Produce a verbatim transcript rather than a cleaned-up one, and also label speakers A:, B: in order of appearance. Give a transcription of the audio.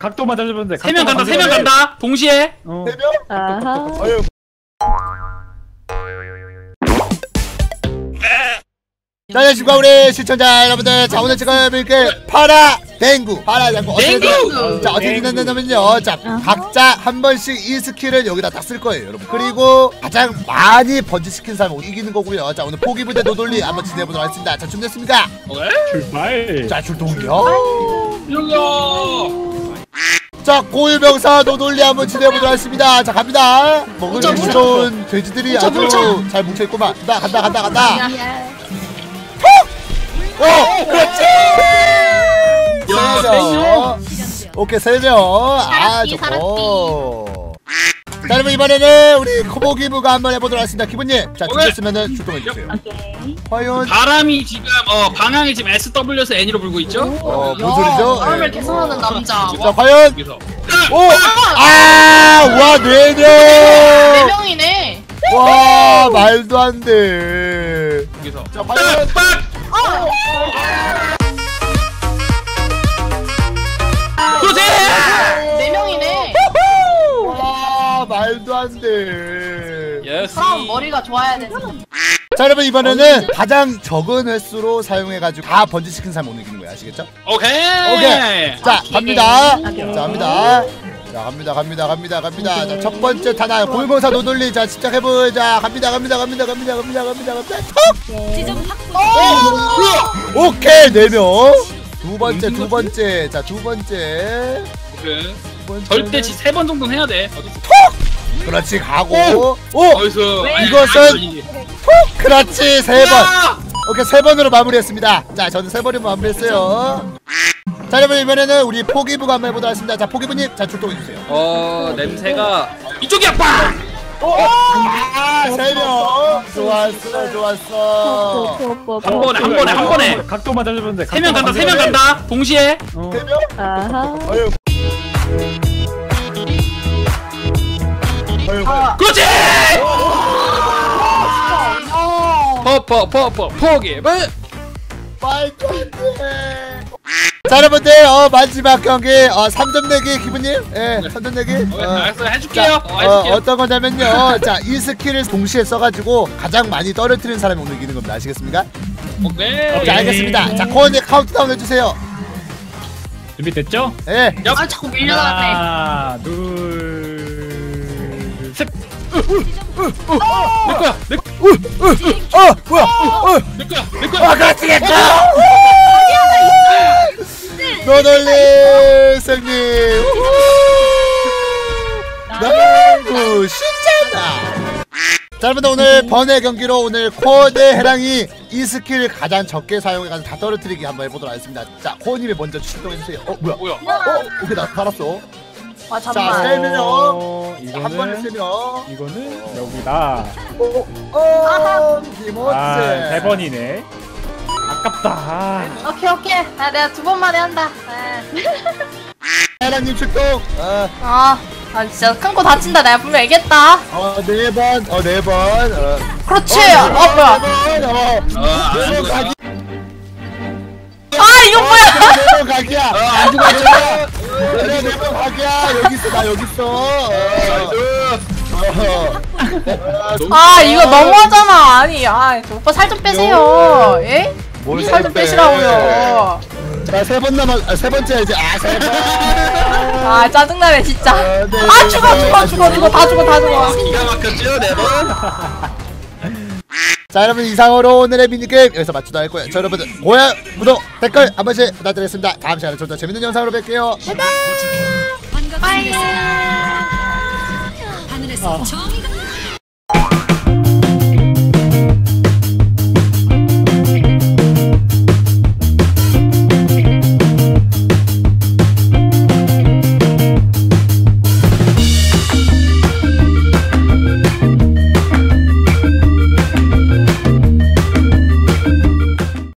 A: 각도만 잡으면 돼.
B: 세 명 간다, 세 명 간다. 동시에.
A: 어.
C: 세 명?
D: 아하.
C: 아유. 자, 안녕하십니까 우리 시청자 여러분들. 자, 오늘 지금 이렇게 파라 댕구 파라 댕구
B: 댕구!
C: 자, 어떻게 진행되냐면요, 자 각자 한 번씩 이 스킬을 여기다 딱 쓸 거예요 여러분. 그리고 가장 많이 번지시킨 사람이 이기는 거고요. 자, 오늘 포기부대 노돌리 한번 진행해보도록 하겠습니다. 자, 준비됐습니까?
B: 오케이.
A: 출발.
C: 자, 출동이요.
B: 일로.
C: 자, 고유명사 노돌리 한번 진행해보도록 하겠습니다. 자, 갑니다. 먹을 줄 좋은 돼지들이 아주
B: 뭉쳐.
C: 잘 뭉쳐있구만. 간다 간다 간다 간다. 오! 그렇지!
B: 야,
C: 세 명. 오케이, 세 명. 아, 좋고. 자, 여러분 이번에는 우리 코보기부가 한번 해보도록 하겠습니다. 기분님, 자, 준비했으면은 출동해주세요.
D: 오케이.
C: 과연
B: 바람이 지금 어 방향이 지금 에스 더블유에서 N으로 불고 있죠?
C: 어, 뭔 소리죠?
E: 바람을
C: 네.
E: 개선하는 남자.
C: 자, 과연
B: 여기서.
C: 오! 아! 와, 네
E: 네
C: 명!
E: 명이네.
C: 와, 말도 안 돼.
B: 여기서.
C: 자, 과연
B: 그렇지!
E: 네 명이네.
C: 와, 말도 안 돼.
B: 예스.
E: 사람 머리가 좋아야 되지.
C: 자, 여러분 이번에는 가장 적은 횟수로 사용해가지고 다 번지시킨 사람 못 이기는 거예요. 아시겠죠?
B: 오케이.
C: 오케이. 자, 갑니다.
D: 오케이.
C: 자, 갑니다. 자, 갑니다, 갑니다, 갑니다, 갑니다. 자, 첫 번째 탄환 고유명사 노돌리. 자, 집착해보자. 갑니다, 갑니다, 갑니다, 갑니다, 갑니다, 갑니다, 갑니다. 톡!
D: 지점 확보.
C: 오! 오케이, 네 명. 두 번째, 두 번째. 자, 두 번째.
B: 오케이.
C: 두 번째.
B: 절대 지 세 번 정도는 해야 돼.
C: 그렇지, 가고. 오!
B: 어디서?
C: 이것은 톡! 그렇지, 세 번. 오케이, 세 번으로 마무리했습니다. 자, 저는 세 번으로 마무리했어요. 자, 여러분 이번에는 우리 포기부가 한번 해보도록 하겠습니다. 자, 포기부님, 자, 출동해주세요.
B: 어 냄새가 이쪽이야 빵.
C: 아, 세 명. 좋았어, 좋았어.
B: 한 번에 한 번에 한 번에.
A: 각도만 잡으면 돼.
B: 세 명 간다, 세 명 간다. 동시에.
A: 어.
C: 세 명?
D: 아하.
C: 아유. 아유.
B: 그렇지. 퍼퍼퍼퍼 포기부.
C: 말도 안 돼. 자, 여러분들, 어, 마지막 경기, 어, 삼 점 내기, 기분님? 예, 삼 점 내기.
B: 오케이,
C: 어.
B: 알았어, 해줄게요.
C: 자,
B: 어,
C: 어,
B: 해줄게요.
C: 어떤 거냐면요. 자, 이 스킬을 동시에 써가지고 가장 많이 떨어뜨리는 사람이 오늘 이기는 겁니다. 아시겠습니까?
B: 오케이.
C: 자, 알겠습니다. 자, 코어님 카운트다운 해주세요.
A: 준비됐죠?
C: 예.
B: 얍.
E: 아 자꾸 밀려나네.
A: 하나, 둘, 셋.
B: 내 거야, 내 거,
C: 어, 뭐야? 어,
B: 내 거야, 내 거야.
C: 아, 그렇지, 됐다. 노돌리 승리. 너무 쉽잖아. 자, 여러분들 오늘 번외 경기로 오늘 코어 대 해랑이 이 스킬 가장 적게 사용해가지고 다 떨어뜨리기 한번 해보도록 하겠습니다. 자, 코어님이 먼저 출동해주세요. 어, 뭐야?
B: 뭐야?
C: 어, 오케이, 나 달았어.
E: 아
C: 자,
E: 잠만.
C: 세 명.
A: 어,
C: 한 번에 세
A: 이거는
C: 명.
A: 이거는 여기다.
C: 어, 어, 김원재.
A: 아, 세 번이네. 아깝다. 아.
E: 오케이 오케이. 아 내가 두 번만에 한다.
C: 해랑님 출동. 어,
E: 아, 아 진짜 큰 거 다친다. 내가 분명 얘기했다.
C: 어, 네 번. 어, 네 번. 어.
E: 그렇지.
C: 어,
E: 어 뭐야?
C: 네 번. 어,
B: 아,
C: 네 번 가기.
E: 아 이거 뭐야?
C: 네 번 가기야. 어, 안 죽었잖아. 네 번 가기야. 여기 있어, 나 여기 있어. 어.
E: 아 이거 너무하잖아. 아니 아 오빠 살 좀 빼세요. 예?
C: 뭘
E: 살 좀
C: 빼.
E: 빼시라고요.
C: 자, 세 번 남았, 아, 세 번째 이제. 아, 세 번.
E: 아 짜증나네 진짜.
C: 어, 네.
E: 아 죽어 죽어 죽어 죽어 다 죽어 다 죽어.
B: 기가 막혔죠, 네 번.
C: 자, 여러분 이상으로 오늘의 미니게임 여기서 마치도록 할 거예요. 자, 여러분들 좋아요, 구독, 댓글 한 번씩 부탁드리겠습니다. 다음 시간에 좀 더 재밌는 영상으로 뵐게요.
E: 빠이.
D: 하늘에서 정의가